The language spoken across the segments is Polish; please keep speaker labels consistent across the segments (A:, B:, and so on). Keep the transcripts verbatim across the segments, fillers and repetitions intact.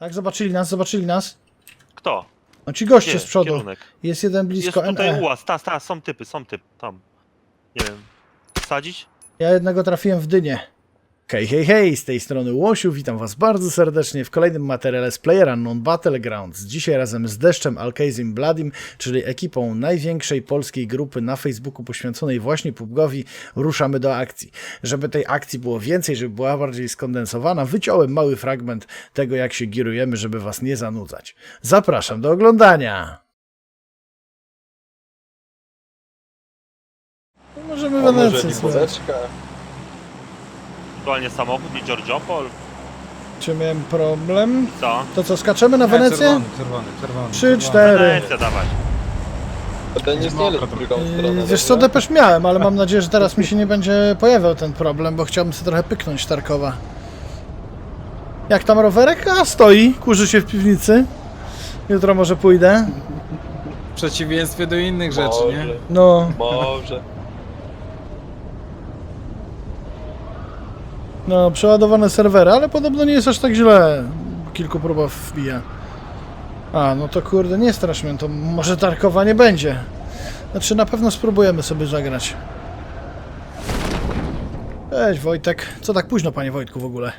A: Tak, zobaczyli nas, zobaczyli nas.
B: Kto?
A: No ci goście
B: Gdzie?
A: z przodu.
B: Kierunek.
A: Jest jeden blisko
B: Jest tutaj
A: N E.
B: ułaz, ta, ta, są typy, są typy, tam. Nie wiem. Wsadzić?
A: Ja jednego trafiłem w dynię. Hej, hej, hej, z tej strony Łosiu, witam was bardzo serdecznie w kolejnym materiale z PlayerUnknown Battlegrounds. Dzisiaj razem z Deszczem, Alkazim, Bladim, czyli ekipą największej polskiej grupy na Facebooku poświęconej właśnie pubgowi, ruszamy do akcji. Żeby tej akcji było więcej, żeby była bardziej skondensowana, wyciąłem mały fragment tego, jak się girujemy, żeby was nie zanudzać. Zapraszam do oglądania! No możemy
C: A może
A: Wenecję spróbować.
C: limoneczka?
B: Aktualnie samochód, nie Giorgiopol.
A: Czy miałem problem?
B: Co?
A: To co, skaczemy na
D: Nie,
A: Wenecję?
D: Czerwony, czerwony, czerwony.
A: Trzy,
D: czerwony.
A: cztery.
B: Wenecja, dawać.
C: A ten nie
D: Mokro
C: znielet w drugą
A: Yy,
C: stronę.
A: Wiesz co,
C: dobra?
A: depesz miałem, ale mam nadzieję, że teraz mi się nie będzie pojawiał ten problem, bo chciałbym sobie trochę pyknąć Tarkowa. Jak tam rowerek? A, stoi, kurzy się w piwnicy. Jutro może pójdę.
D: W przeciwieństwie do innych rzeczy, nie?
C: Może,
A: No,
C: może.
A: no, przeładowane serwery, ale podobno nie jest aż tak źle. Kilku próbach wbija. A, no to kurde, nie strasz mnie, to może Tarkowa nie będzie. Znaczy, na pewno spróbujemy sobie zagrać. Cześć Wojtek. Co tak późno, panie Wojtku, w ogóle?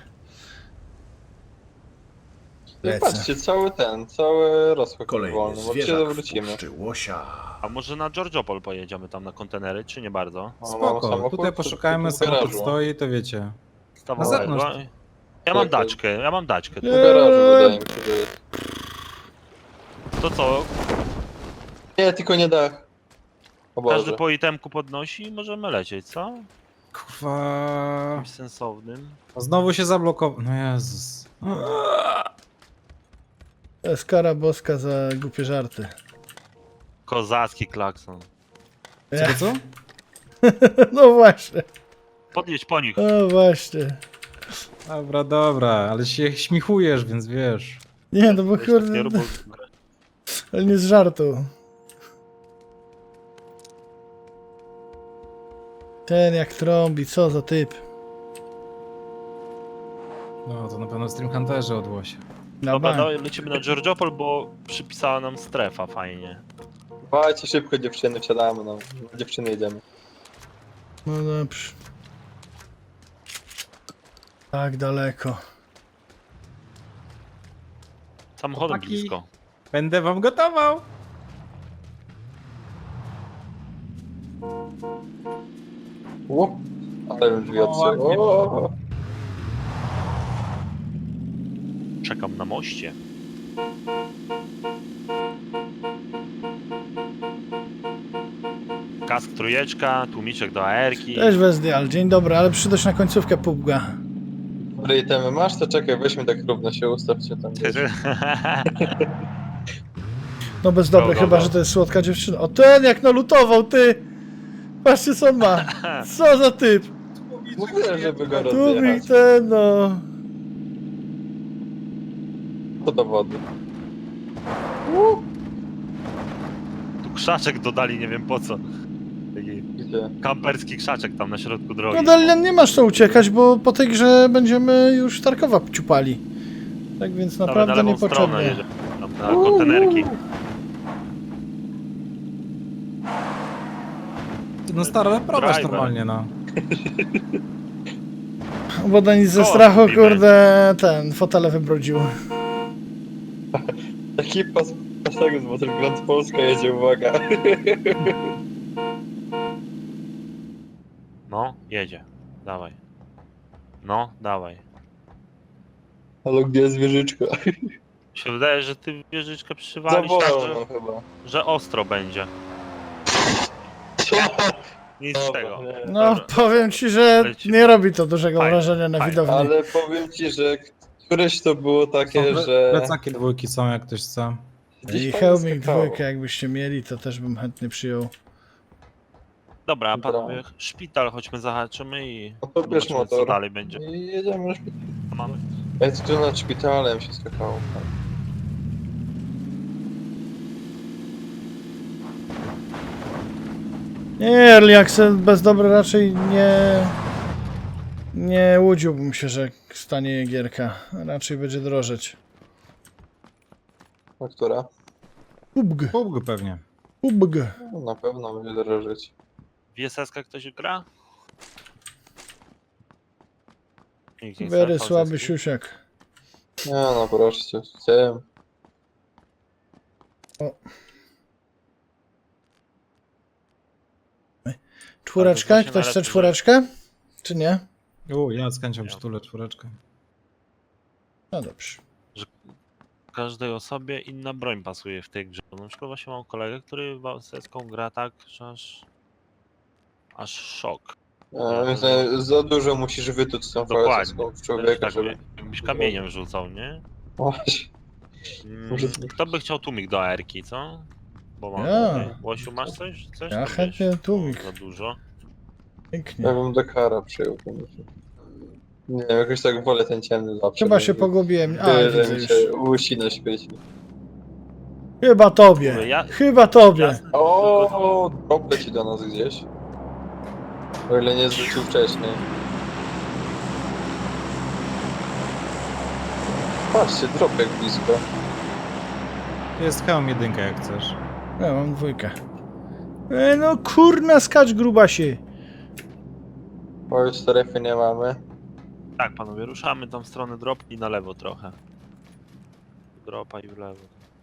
C: No
A: Lecę.
C: patrzcie, cały ten, cały rozchód
E: Kolejny
C: wolny, bo się
E: zwierzak
C: zawrócimy.
E: wpuszczy łosia.
B: A może na Giorgiopol pojedziemy tam na kontenery, czy nie bardzo?
C: O, mam
D: Spoko,
C: samochód,
D: tutaj
C: to-
D: poszukajmy,
C: to w
D: samochód
C: garażu.
D: stoi, to wiecie.
B: Stawałem,
D: Na zewnątrz.
B: no. Ja mam
C: Tak,
B: daczkę, ja mam daczkę.
C: W garażu wydaje mi się, że jest.
B: To co?
C: Nie, tylko nie dach. O
B: Każdy
C: Boże.
B: po itemku podnosi i możemy lecieć, co?
D: Kurwa...
B: Czymś sensownym.
D: Znowu się zablokował. No Jezus.
A: To jest kara boska za głupie żarty.
B: Kozacki klakson.
D: Co, co?
A: No właśnie,
B: Podjedź po nich.
A: no właśnie.
D: Dobra, dobra, ale się śmichujesz, więc wiesz.
A: Nie, no bo
B: Wiesz, tak nie
A: kurde,
B: rób, bo-
A: ale nie z żartu. Ten jak trąbi, co za typ.
D: No, to na pewno Stream Hunterzy od Łosia.
A: Na
B: Dobra,
A: bank.
B: dawaj, lecimy na Giorgiopol, bo przypisała nam strefa fajnie.
C: Dawajcie szybko dziewczyny, wsiadamy, no. Na dziewczyny jedziemy.
A: No dobrze. Tak daleko.
B: Samochodem
D: Chłopaki.
B: blisko.
D: Będę wam gotował!
C: Łup. Ale bym drzwi
D: O,
C: odsył.
D: ładnie.
C: O,
B: Czekam na moście. Kask trójeczka, tłumiczek do A R ki.
A: Cześć Wezdial, dzień dobry, ale przyszedł na końcówkę pubga.
C: Dobre itemy masz? To czekaj, weźmy tak równo się, ustawcie tam.
A: No bez dobre,
B: Go, go,
A: chyba
B: go.
A: że to jest słodka dziewczyna. O ten jak nalutował, ty! Patrzcie co on ma. Co za typ.
C: Mówię, żeby go
A: Tu mi
C: rozjechać.
A: ten no.
C: To do wody.
B: Tu krzaczek dodali, nie wiem po co. Taki
C: Gdzie?
B: kamperski krzaczek tam na środku drogi.
A: No Dalian, nie masz co uciekać, bo po tej grze będziemy już Tarkowa ciupali. Tak więc
B: Dawaj,
A: naprawdę
B: na lewą stronę
A: niepotrzebnie.
B: jedziemy. Tam na kontenerki.
D: No stary, ale prowadź
B: Driver.
D: normalnie, no.
A: Bo do nic ze
B: Koło
A: strachu,
B: kupimy.
A: kurde, ten, fotele wybrudził.
C: Ekipa z naszego z Battlegrounds Polska jedzie, uwaga.
B: No, jedzie. Dawaj. No, dawaj.
C: Ale gdzie jest wieżyczka?
B: Mi się wydaje, że ty wieżyczkę
C: Za
B: przywalisz tak,
C: wolno
B: że,
C: chyba.
B: że ostro będzie.
C: Co?
B: Nic z
C: Dobra,
B: tego.
C: nie.
A: No,
B: Dobra.
A: powiem ci, że
B: Lecimy.
A: nie robi to dużego
B: Fajnie,
A: wrażenia na
B: fajnie.
A: widowni.
C: Ale powiem ci, że któreś to było takie,
D: Są
C: że...
D: Plecaki dwójki są, jak ktoś chce.
C: gdzieś
A: I
C: fajnie
A: hełmik
C: skakało.
A: dwójkę jakbyście mieli, to też bym chętnie przyjął.
B: Dobra,
C: Dobra.
B: panowie, szpital chodźmy zahaczymy i
C: No to bierz
B: zobaczymy, co
C: motor.
B: dalej będzie.
C: I jedziemy na szpital.
B: Co mamy?
C: Ja tu nad szpitalem się skakało.
A: Nie, Early Access bez dobra raczej nie... Nie łudziłbym się, że stanie gierka. Raczej będzie drożeć.
C: A która?
A: Ubg,
D: Pubg pewnie.
A: ubg.
C: No, na pewno będzie drożyć.
B: W S S ktoś gra? Nikt nie chce
A: Very
B: V S S-ki?
A: słaby siusiak.
C: Nie no, proszę cię, chciałem.
A: Czwóreczkę?
B: właśnie
A: Ktoś chce
B: najlepszy
A: czwóreczkę? Czy nie?
D: U, ja z chęcią
B: Ja.
D: przytulę czwóreczkę.
A: No dobrze.
B: Każdej osobie inna broń pasuje w tej grze. Na przykład właśnie mam kolegę, który V S S-ką gra tak, że aż... aż szok.
C: Ja myślę, za dużo musisz wytuć z tą
B: Dokładnie.
C: fazeską w
B: Też
C: człowieka,
B: tak,
C: żeby...
B: jakbyś kamieniem rzucał, nie?
C: Właśnie.
B: Mm,
C: Może-
B: Kto by chciał tłumik do A R-ki, co? Bo mam
A: Ja.
B: tutaj. Łosiu, masz coś? coś
A: Ja
B: tam
A: chętnie
B: wiesz?
A: tłumik.
B: O, za dużo.
A: Pięknie.
C: Ja bym do kara przyjął. koniecznie. Nie wiem, jakoś tak wolę ten ciemny zawsze.
A: Chyba się
C: żeby-
A: pogubiłem. A,
C: Tyle
A: widzę
C: mi
A: już.
C: się łusi na świecie.
A: Chyba tobie.
B: Ja-
A: Chyba tobie.
B: Jasne.
C: O, drop leci do nas gdzieś. O ile nie zwrócił wcześniej. Patrzcie, drop jak blisko.
D: Jest hełm jedynka jak chcesz.
A: Ja mam dwójkę. E, no kurna, skacz grubasie.
C: O, już strefy nie mamy.
B: Tak, panowie, ruszamy tam w stronę drop i na lewo trochę. Dropa i w lewo.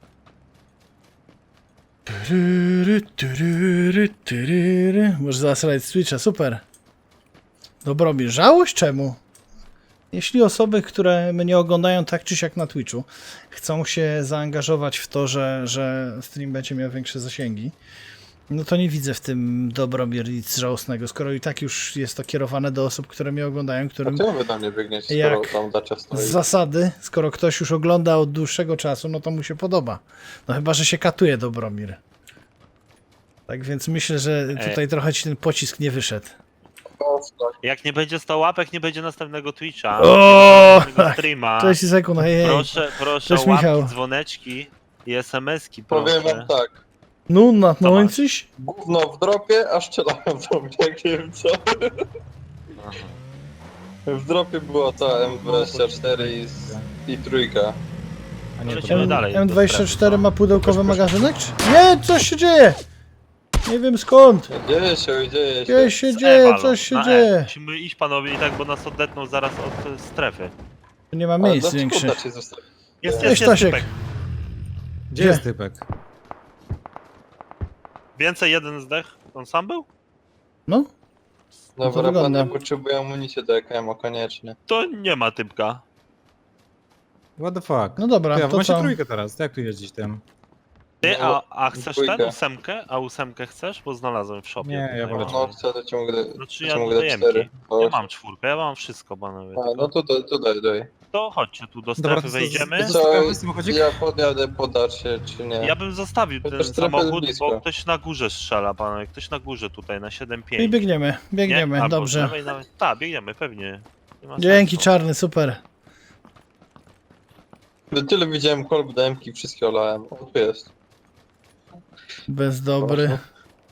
A: Tyryry, tyryry, tyryry. Możesz zasrać Switcha, super. Dobromir, żałość czemu? Jeśli osoby, które mnie oglądają tak czy siak na Twitchu, chcą się zaangażować w to, że, że stream będzie miał większe zasięgi, no to nie widzę w tym Dobromir nic żałosnego, skoro i tak już jest to kierowane do osób, które mnie oglądają,
C: A
A: którym
C: czemu wy tam nie biegniecie,
A: Jak
C: skoro tam dacia stoi?
A: z zasady, skoro ktoś już ogląda od dłuższego czasu, no to mu się podoba. No chyba, że się katuje Dobromir. Tak więc myślę, że tutaj trochę ci ten pocisk nie wyszedł.
C: O, tak.
B: Jak nie będzie sto łapek, nie będzie następnego Twitcha.
A: O,
B: nie będzie następnego
A: tak.
B: streama.
A: Cześć sekund, hej, hej.
B: Proszę, proszę
A: Cześć,
B: o łapki,
A: Michał.
B: dzwoneczki i es em es ki,
C: Powiem
B: proszę.
C: wam tak.
A: No, na
B: Co
A: no
B: masz?
A: i coś?
C: Gówno w dropie, a strzelają do mnie, jak nie wiem co.
B: Aha.
C: W dropie była ta M dwadzieścia cztery i, z- i trójka.
D: A nie, to
B: Lecimy
A: M,
B: dalej do
A: M24
B: strefy,
A: ma pudełkowy magazynek? Czy? Nie, coś się dzieje! Nie wiem skąd.
C: Dzieje się, dzieje się.
A: Dzieje się
B: Z
A: dzieje,
B: Ewalą,
A: coś się
B: na E.
A: dzieje.
B: Musimy iść, panowie, i tak, bo nas odetną zaraz od e, strefy.
A: Tu nie ma
C: Ale
A: miejsc
C: dlaczego
A: większych.
C: dacie zostawić?
B: Jest,
C: Cześć,
B: jest, jest
A: Stasiek.
B: typek.
D: Gdzie
A: Gdzie?
D: jest typek?
B: Więcej jeden zdech. On sam był?
A: No, to
C: Dobra,
A: wygląda.
C: panie, potrzebuję amunicji do E K M-a, koniecznie.
B: To nie ma typka.
D: What the fuck?
A: no dobra,
D: ja
A: to
D: macie
A: co?
D: trójkę teraz, to jak tu jeździć tym?
B: Ty,
C: No,
B: a, a chcesz
C: dwójkę.
B: ten ósemkę? A ósemkę chcesz? Bo znalazłem w shopie.
D: Nie, ja
B: tutaj.
D: wolę
C: No chcę, to ci mogę,
B: Znaczy
C: to
B: ja
C: ci mogę
B: do
C: dać
B: jemki.
C: cztery.
B: Ja mam czwórkę, ja mam wszystko, panowie.
C: A,
B: tylko-
C: no to, to, to daj, daj.
B: To chodźcie tu do
D: Dobra,
B: strefy,
D: to co,
B: wejdziemy.
D: z-
C: Co,
D: Zostawiamy samochodzik?
C: ja podjadę, podasz się, czy nie?
B: Ja bym zostawił ten
C: Chociaż strefę jest
B: samochód,
C: blisko.
B: bo ktoś na górze strzela, panowie. Ktoś na górze tutaj, na siedem
A: I
B: pięć.
A: biegniemy, biegniemy, dobrze.
B: Tak, biegniemy, pewnie. Nie ma
A: Dzięki
B: sensu.
A: czarny, super.
C: Tyle widziałem kolb do M-ki, wszystkie olałem. O, tu jest.
A: Bez dobry.
C: Proszę.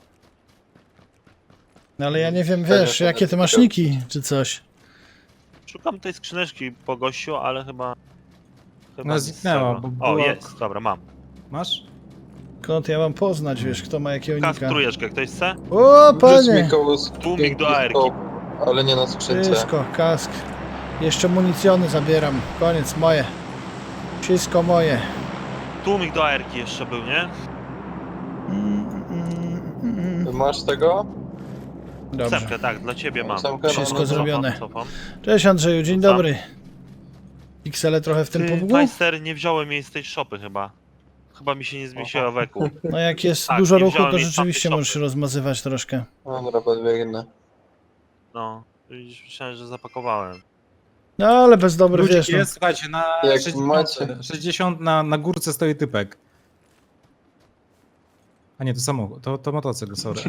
A: No ale ja nie wiem,
C: Fajne,
A: wiesz,
C: fajne
A: jakie ty masz
C: typy.
A: niki, czy coś.
B: Szukam tej skrzyneczki po gościu, ale chyba... chyba
D: No,
B: nic z
D: zniknęła,
B: tego.
D: bo
B: O,
D: była-
B: jest, dobra, mam.
D: Masz?
A: Skąd ja mam poznać, wiesz, kto ma jakiego
B: Kask
A: nika?
B: trójeczkę, ktoś chce?
A: O,
C: Wrzuć
A: panie!
C: mi koło
B: Tłumik do A R-ki.
C: ale nie na skrzynce.
A: Wszystko, kask. Jeszcze municjony zabieram. Koniec, moje. Wszystko moje.
B: Tłumik do A R-ki jeszcze był, nie?
A: Mm, mm, mm,
C: Ty
A: mm.
C: masz tego?
A: Dobrze.
B: Ósemkę, tak, dla ciebie mam.
C: Ósemkę? No,
A: Wszystko
C: no, no.
A: zrobione.
B: Cofam, cofam.
A: Cześć Andrzeju, dzień
B: Rzucam.
A: dobry. Piksele trochę w tym
B: Ty,
A: podługu?
B: Majster, nie wziąłem jej z tej szopy chyba. Chyba mi się nie zmieściła weku.
A: No jak jest
B: Tak,
A: dużo
B: nie
A: ruchu,
B: wziąłem
A: to
B: jej z
A: rzeczywiście
B: tamtej
A: możesz się
B: szopy.
A: rozmazywać troszkę.
C: Dobra, podbiegnę.
B: No, widzisz, myślałem, że zapakowałem.
A: No ale bez dobry,
D: Ludzik
A: wiesz, no.
D: jest, słuchajcie, na
C: Jak
D: sześćdziesiąt,
C: macie-
D: sześćdziesiąt na, na górce stoi typek. A nie, to samochód, to, to motocykl, sorry.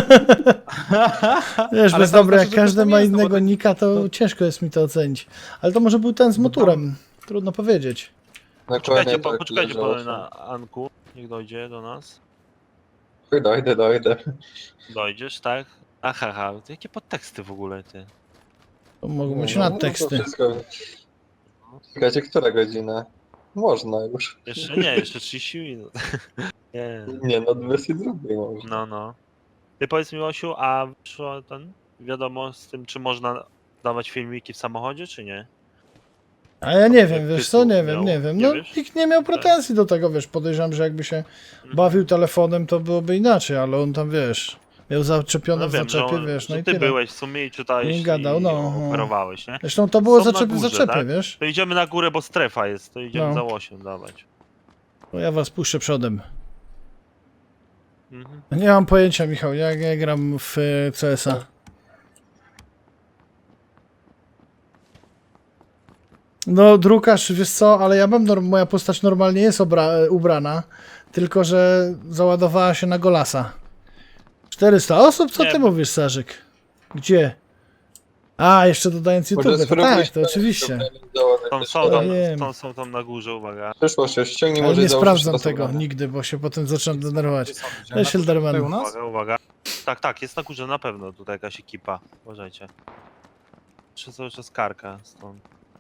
A: Wiesz,
D: Ale
A: bez
D: to
A: dobry,
D: znaczy,
A: jak
D: że
A: każdy
D: to nie
A: ma
D: jest, no bo
A: innego
D: to-
A: nika, to,
D: to-
A: ciężko jest mi to ocenić. Ale to może był ten z
D: No
A: motorem. Trudno powiedzieć.
C: Na
B: Poczekajcie,
C: koniec
B: po,
C: tak
B: poczekajcie
C: leżało
B: po,
C: się.
B: na Anku. Niech dojdzie do nas.
C: Chuj, Dojdę, dojdę.
B: Dojdziesz, tak? Aha, aha, jakie podteksty w ogóle, ty?
A: To mogą być
C: No, no to
A: nadteksty.
C: wszystko. Czekajcie, która godzina? Można już.
B: Jeszcze nie, jeszcze trzydzieści minut. Nie.
C: Nie, no dwadzieścia dwa można.
B: No, no. Ty powiedz mi, Osiu, a wyszło ten, wiadomo z tym, czy można dawać filmiki w samochodzie, czy nie?
A: A ja nie wiem,
B: Jak
A: wiesz
B: tytuł
A: co, nie wiem,
B: miał,
A: nie wiem.
B: nie
A: No
B: wiesz?
A: nikt nie miał pretensji do tego, wiesz, podejrzewam, że jakby się
B: Mhm.
A: bawił telefonem, to byłoby inaczej, ale on tam, wiesz, miał zaczepione
B: No
A: w
B: wiem, że,
A: zaczepie,
B: on,
A: wiesz, no
B: że
A: i
B: ty
A: tyle.
B: byłeś w sumie i czytałeś
A: I gadał,
B: i
A: no, no.
B: operowałeś, nie?
A: Zresztą to było
B: Są na
A: zaczep w
B: górze,
A: zaczepie,
B: tak?
A: wiesz?
B: To idziemy na górę, bo strefa jest, to idziemy
A: No.
B: za łosiem dawać.
A: To ja was puszczę przodem.
B: Mhm.
A: Nie mam pojęcia, Michał, ja nie gram w e, C S a. No, drukarz, wiesz co, ale ja mam, norm- moja postać normalnie jest obra- ubrana, tylko że załadowała się na golasa. czterysta osób? Co
B: Nie,
A: ty
B: bo-
A: mówisz, Sarzyk? Gdzie? A, jeszcze dodając YouTube, to tak, to oczywiście.
B: Są, są,
A: Ja
B: tam,
A: wiem.
B: są, są tam na górze, uwaga.
C: Przyszło się, ściągnij
A: Ale
C: może
A: nie
C: i założysz
A: sprawdzam
C: teraz
A: tego
C: ubrania.
A: nigdy, bo się potem zaczynam denerwować.
D: Gdzie są? Gdzie?
A: Cześć,
D: Na-
A: Hilderman.
D: tutaj u nas?
B: Uwaga, uwaga. Tak, tak, jest na górze na pewno tutaj jakaś ekipa. Uważajcie. Czy cały czas karka stąd.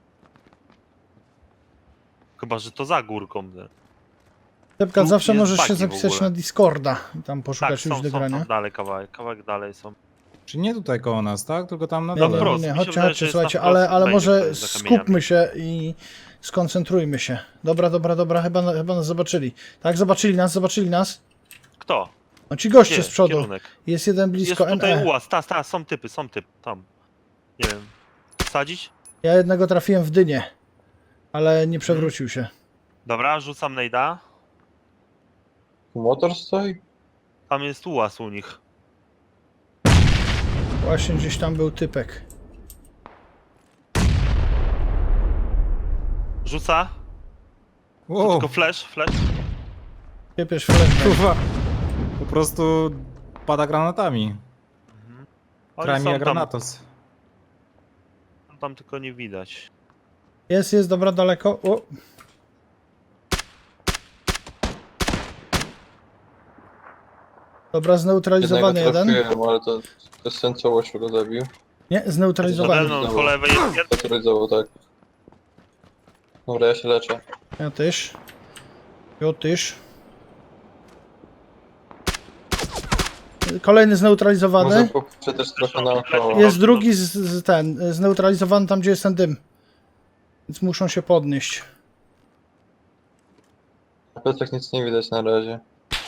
B: Chyba, że to za górką. nie?
A: Tepka,
B: Tu
A: zawsze
B: jest
A: możesz się
B: bagi w
A: zapisać
B: ogóle.
A: na Discorda i tam
B: Tak,
A: poszukać
B: są,
A: już do
B: są
A: grania.
B: tam dalej kawałek, kawałek dalej są.
D: Czy nie tutaj koło nas, tak? Tylko tam na
A: Nie,
B: Na
D: dole.
A: nie,
B: wprost,
A: nie,
B: mi się
A: chodźcie,
B: wydaje, że
A: chodźcie,
B: jest
A: słuchajcie,
B: na
A: ale,
B: wprost,
A: ale
B: będzie
A: może
B: tutaj za kamieniami.
A: skupmy się i skoncentrujmy się. Dobra, dobra, dobra, chyba, na- chyba nas zobaczyli. Tak, zobaczyli nas, zobaczyli nas.
B: Kto?
A: No ci goście
B: Gdzie?
A: z przodu.
B: Kierunek.
A: Jest jeden
B: Jest
A: blisko
B: tutaj
A: N E.
B: ułaz, ta, ta, są typy, są typy, tam. Nie wiem. Wsadzić?
A: Ja jednego trafiłem w dynię, ale nie przewrócił się.
B: Dobra, rzucam nejda.
C: Motor stoi?
B: Tam jest ułaz u nich.
A: Właśnie gdzieś tam był typek.
B: Rzuca.
D: Wow,
B: Tylko flash, flash.
A: Kiepiesz flashbang.
D: kurwa. Po prostu pada granatami.
B: Oni
D: Krami
B: są
D: jak
B: tam,
D: granatos.
B: tam tylko nie widać.
A: Jest, jest, dobra, daleko. O. Dobra, zneutralizowany
C: Jednego
A: jeden.
C: trafiłem, ale to bez sensu Łosiu go zabił.
A: Nie,
B: Pode
A: zneutralizowany.
B: mną po lewej jest jeden.
C: Specjalizował, tak. Dobra, ja się leczę.
A: Ja też. Ja też. Kolejny
C: Może
A: zneutralizowany.
C: popatrzę też trochę naokoło.
A: Jest drugi z, z ten, zneutralizowany tam, gdzie jest ten dym. Więc muszą się podnieść.
C: Na plecach nic nie widać na razie.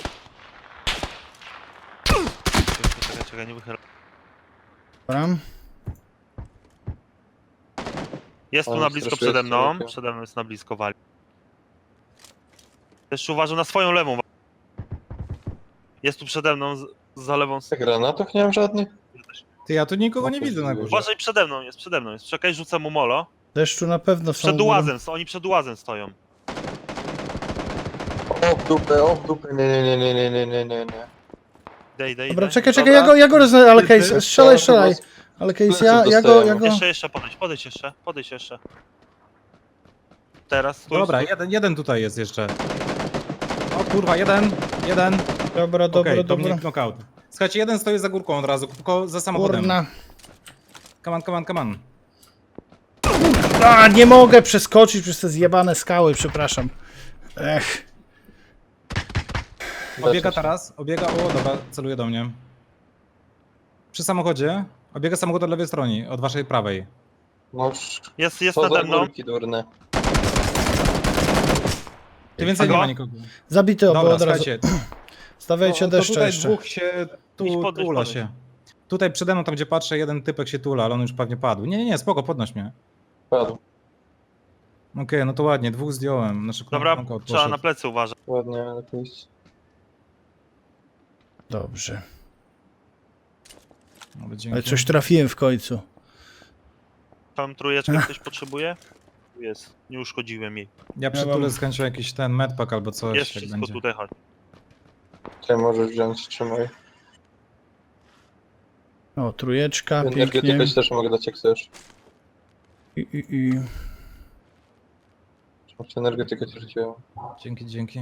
B: Czekaj, czekaj, nie wychyl.
A: Dobra.
B: Jest tu
C: Ale
B: na blisko
C: strasznie
B: przede
C: jest
B: mną.
C: daleko.
B: Przede mną jest na blisko wali. Jeszcze uważam na swoją lewą. Jest tu przede mną, z, za lewą. s-
C: Ja granatów nie mam żadnych?
D: Ty, ja tu nikogo nie widzę na górze.
B: Uważaj, przede mną jest, przede mną jest. Czekaj, rzucę mu molo.
A: Deszczu na pewno są.
B: Przed ułazem, oni przed ułazem stoją.
C: O w dupę, o w dupę, nie, nie, nie, nie, nie, nie, nie, nie.
B: Dej, dej,
A: Dobra,
B: dej.
A: czekaj, czekaj,
C: Dobra.
A: ja go, ja go rozna... Ale
C: Ty,
A: case,
C: ty,
A: strzelaj,
C: to
A: strzelaj.
C: chyba
A: Ale case,
C: plecy
A: ja, ja go, ja
C: dostajemy.
A: go...
B: Jeszcze, jeszcze podejdź, podejdź jeszcze, podejdź jeszcze. Teraz, stój,
D: Dobra,
B: stój.
D: jeden, jeden tutaj jest jeszcze. O kurwa, jeden, jeden.
A: Dobra, dobra,
D: Okej, to
A: dobra.
D: mnie knockout. Słuchajcie, jeden stoi za górką od razu, tylko za samochodem.
A: Kurna.
D: Come on, come on, come on.
A: A, nie mogę przeskoczyć przez te zjebane skały, przepraszam. Ech.
D: Obiega
C: Leczę się.
D: teraz, obiega, o dobra, celuje do mnie. Przy samochodzie, obiega samochód od lewej strony, od waszej prawej.
C: No już,
B: Jest, jest
C: co za
B: nade mną.
C: górki durne.
D: Ty więcej
B: Halo?
D: nie ma nikogo.
A: Zabity obo
D: Dobra,
A: od razu.
D: słuchajcie,
A: Stawiajcie
D: to, to
A: deszcze
D: tutaj
A: jeszcze.
D: dwóch się tu
B: Idź podnieś,
D: tula
B: podnieś.
D: się. Tutaj przede mną, tam gdzie patrzę, jeden typek się tula, ale on już pewnie padł. Nie, nie, nie, spoko, podnoś mnie.
C: Padł.
D: Okej, no to ładnie, dwóch zdjąłem. Znaczy,
B: Dobra,
D: knockout
B: trzeba
D: poszedł.
B: na plecy uważać.
C: Ładnie, ale pójść.
A: Dobrze.
D: Ale dzięki.
A: Ale coś trafiłem w końcu.
B: Tam trójeczkę ktoś potrzebuje? Jest, nie uszkodziłem jej.
D: Ja przy
A: Ja mam-
D: tule skończyłem jakiś ten medpack albo coś,
B: Jest
D: jak
B: wszystko
D: będzie.
B: tutaj, chodź.
C: Tutaj możesz wziąć, trzymaj.
A: O, trójeczka, pięknie.
C: Energetykę ci też mogę dać jak chcesz.
A: I, i, i.
C: Czy energetykę ci rzuciłem.
D: Dzięki, dzięki.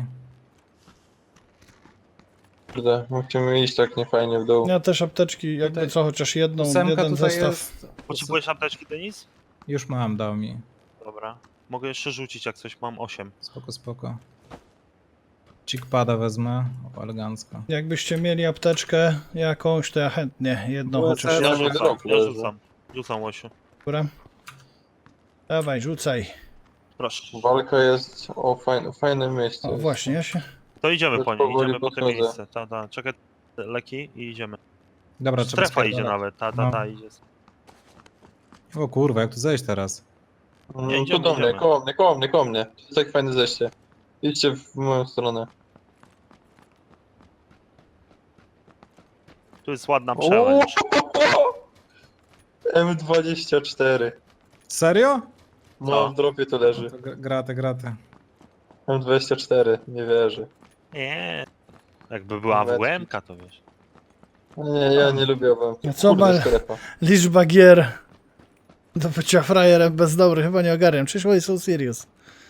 C: Kurde, musimy iść tak niefajnie w dół.
A: Ja też apteczki, jakby
D: Tutaj-
A: co, chociaż jedną,
D: Ósemka
A: jeden
D: tutaj
A: zestaw.
D: jest.
B: Potrzebujesz apteczki, Denis?
D: Już mam, dał mi.
B: Dobra. Mogę jeszcze rzucić jak coś, mam osiem.
D: Spoko, spoko. Chickpada wezmę, o, elegancko.
A: Jakbyście mieli apteczkę jakąś, to ja chętnie jedną
D: Była
A: chociaż.
D: cena-
B: Ja
C: nie
B: rzucam,
C: dropu
B: ja
C: leży.
B: rzucam. Rzucam, Łosiu.
A: Dobra. Dawaj, rzucaj.
B: Proszę.
C: Walka jest o fajne, fajnym miejscu.
A: O,
C: jest.
A: właśnie, ja się...
B: To idziemy
C: Już
B: po nie,
C: powoli
B: idziemy po te
C: podchodzę.
B: miejsce. Ta, ta, czekaj, te leki i idziemy.
D: Dobra, trzeba
B: Strefa idzie
D: spierdalać.
B: nawet, ta, ta,
D: No.
B: ta idzie.
D: O kurwa, jak tu zejść teraz?
C: No,
B: Nie,
C: tu
B: idziemy,
C: do mnie,
B: idziemy.
C: koło mnie, koło mnie, koło mnie. To jest tak fajne zejście. Idźcie w moją stronę.
B: Tu jest ładna przełęcz.
C: M dwadzieścia cztery.
D: Serio?
C: No,
B: Co?
C: w dropie to leży.
D: To gra- graty, graty.
C: M dwadzieścia cztery, nie wierzę.
B: Nie. Jakby była
C: Metki.
B: W M K, to wiesz.
C: Nie, ja nie lubię wam.
A: No co, Bal-
C: strefa.
A: Liczba gier do bycia frajerem bez dobry, chyba nie ogarniam. Czyż oni są serious?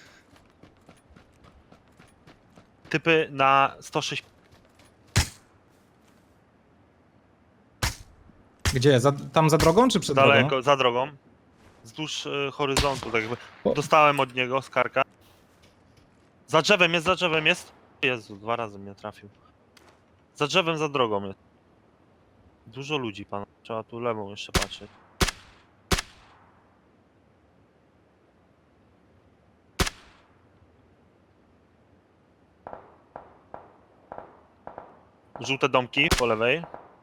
B: Typy na sto sześć.
D: Gdzie? Za, tam za drogą czy przed drogą?
B: Daleko, za drogą. Wzdłuż y, horyzontu, tak jakby.
A: O.
B: Dostałem od niego z karka. Za drzewem jest, za drzewem jest. Jezu, dwa razy mnie trafił. Za drzewem, za drogą jest. Dużo ludzi, pan. Trzeba tu lewą jeszcze patrzeć. Żółte domki po lewej.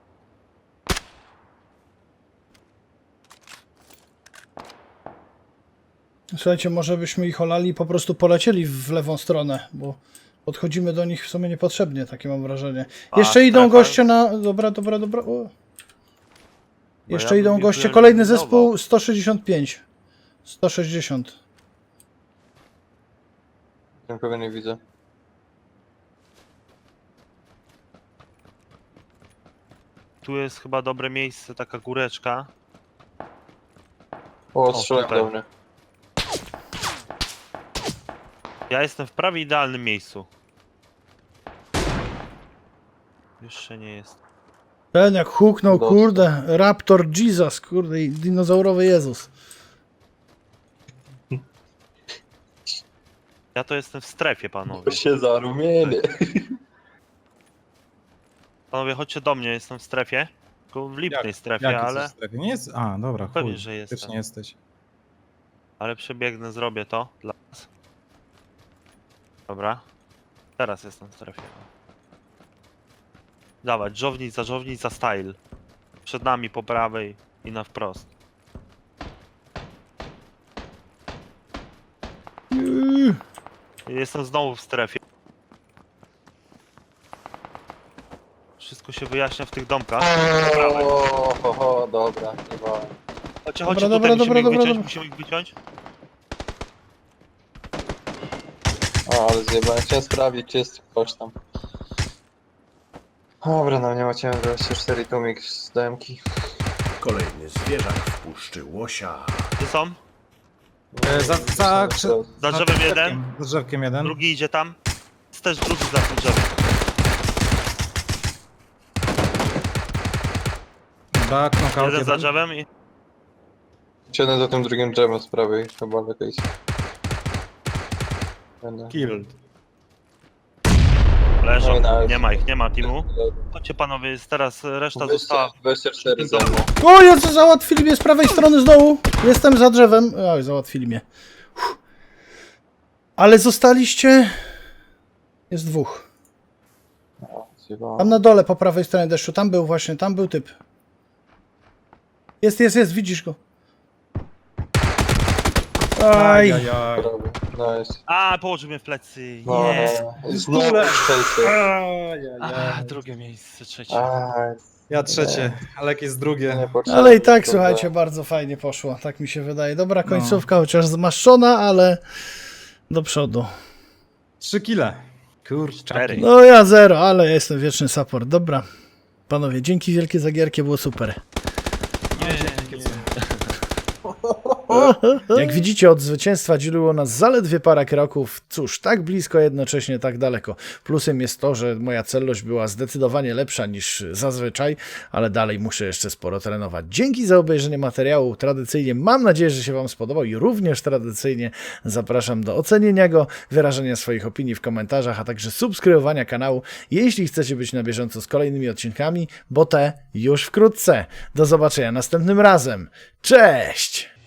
A: Słuchajcie, może byśmy ich olali i po prostu polecieli w lewą stronę, bo podchodzimy do nich w sumie niepotrzebnie, takie mam wrażenie.
B: A,
A: Jeszcze idą
B: strefa?
A: goście na... Dobra, dobra, dobra. O. Jeszcze
B: ja
A: idą
B: bym
A: goście,
B: ich
A: kolejny
B: wyeliminował.
A: zespół sto sześćdziesiąt pięć. sto sześćdziesiąt.
C: Nikogo nie widzę.
B: Tu jest chyba dobre miejsce, taka góreczka.
C: O, strzelają
B: tutaj.
C: do mnie.
B: Ja jestem w prawie idealnym miejscu. Jeszcze nie jest.
A: Ten jak huknął,
C: Dostał.
A: kurde, Raptor Jesus, kurde, i dinozaurowy Jezus.
B: Ja to jestem w strefie, panowie.
C: To się zarumienie.
B: Panowie, chodźcie do mnie, jestem w strefie. Tylko w lipnej
D: Jak-
B: strefie,
D: Jaki
B: ale,
D: ale... strefie? Nie jest... A, dobra, chuj.
B: Pewnie, że jestem.
D: Faktycznie jesteś.
B: ale przebiegnę, zrobię to dla was. Dobra. Teraz jestem w strefie. Dawać, żownica, żownica style. Przed nami po prawej i na wprost.
A: Yy,
B: Jestem znowu w strefie. Wszystko się wyjaśnia w tych domkach. Po prawej.
C: O, ho, ho, dobra, nie ma.
B: Chodźcie,
A: Dobra,
B: chodźcie,
A: dobra,
B: tutaj musimy
A: dobra,
B: ich
A: dobra,
B: wyciąć,
A: dobra.
B: musimy ich wyciąć.
C: O, ale zjebałem. Chciałem sprawdzić, czy jest ktoś tam. Dobra, no nie macie M dwadzieścia cztery tumik z demki.
E: Kolejny zwierzak w puszczy łosia.
B: Gdzie są?
D: E, za, za, krze-
B: Za
D: za
B: drzewem
D: drzewkiem,
B: jeden.
D: Za drzewkiem jeden.
B: Drugi idzie tam. Jest też drugi za tym drzewem.
D: Dobra, knockout
B: Jeden za
D: jeden.
B: drzewem i...
C: Jeden za tym drugim drzewem z prawej, chyba lepiej. Będę.
D: Killed.
B: Leżą.
C: No i nice.
B: Nie ma ich, nie ma teamu. Chodźcie panowie, jest teraz reszta została.
C: dwadzieścia cztery za
B: domu.
C: mną.
A: O, ja co załatwili mnie z prawej strony z dołu. Jestem za drzewem. Oj, załatwili mnie. Uff. Ale zostaliście... Jest dwóch.
C: O, zjebałem.
A: Tam na dole po prawej stronie deszczu. Tam był właśnie, tam był typ. Jest, jest, jest, widzisz go. Aj.
D: Ajajaj.
C: Prawie. Nice.
B: A, położył mnie w plecy.
C: No,
B: Nie.
C: no. Znowu szczęście.
B: A, drugie miejsce, trzecie.
C: Aj,
D: Ja trzecie, Alek jest drugie.
C: niepotrzebne,
A: Ale i tak,
C: kurde.
A: słuchajcie, bardzo fajnie poszło. Tak mi się wydaje. Dobra końcówka, chociaż zmaszczona, ale do przodu.
D: Trzy kile. Kurczę.
B: Cztery.
A: No ja zero, ale ja jestem wieczny support. Dobra. Panowie, dzięki wielkie za gierkę, było super.
B: Nie, nie, nie.
A: Jak widzicie, od zwycięstwa dzieliło nas zaledwie parę kroków. Cóż, tak blisko, jednocześnie tak daleko. Plusem jest to, że moja celność była zdecydowanie lepsza niż zazwyczaj, ale dalej muszę jeszcze sporo trenować. Dzięki za obejrzenie materiału. Tradycyjnie mam nadzieję, że się Wam spodobał i również tradycyjnie zapraszam do ocenienia go, wyrażenia swoich opinii w komentarzach, a także subskrybowania kanału, jeśli chcecie być na bieżąco z kolejnymi odcinkami, bo te już wkrótce. Do zobaczenia następnym razem. Cześć!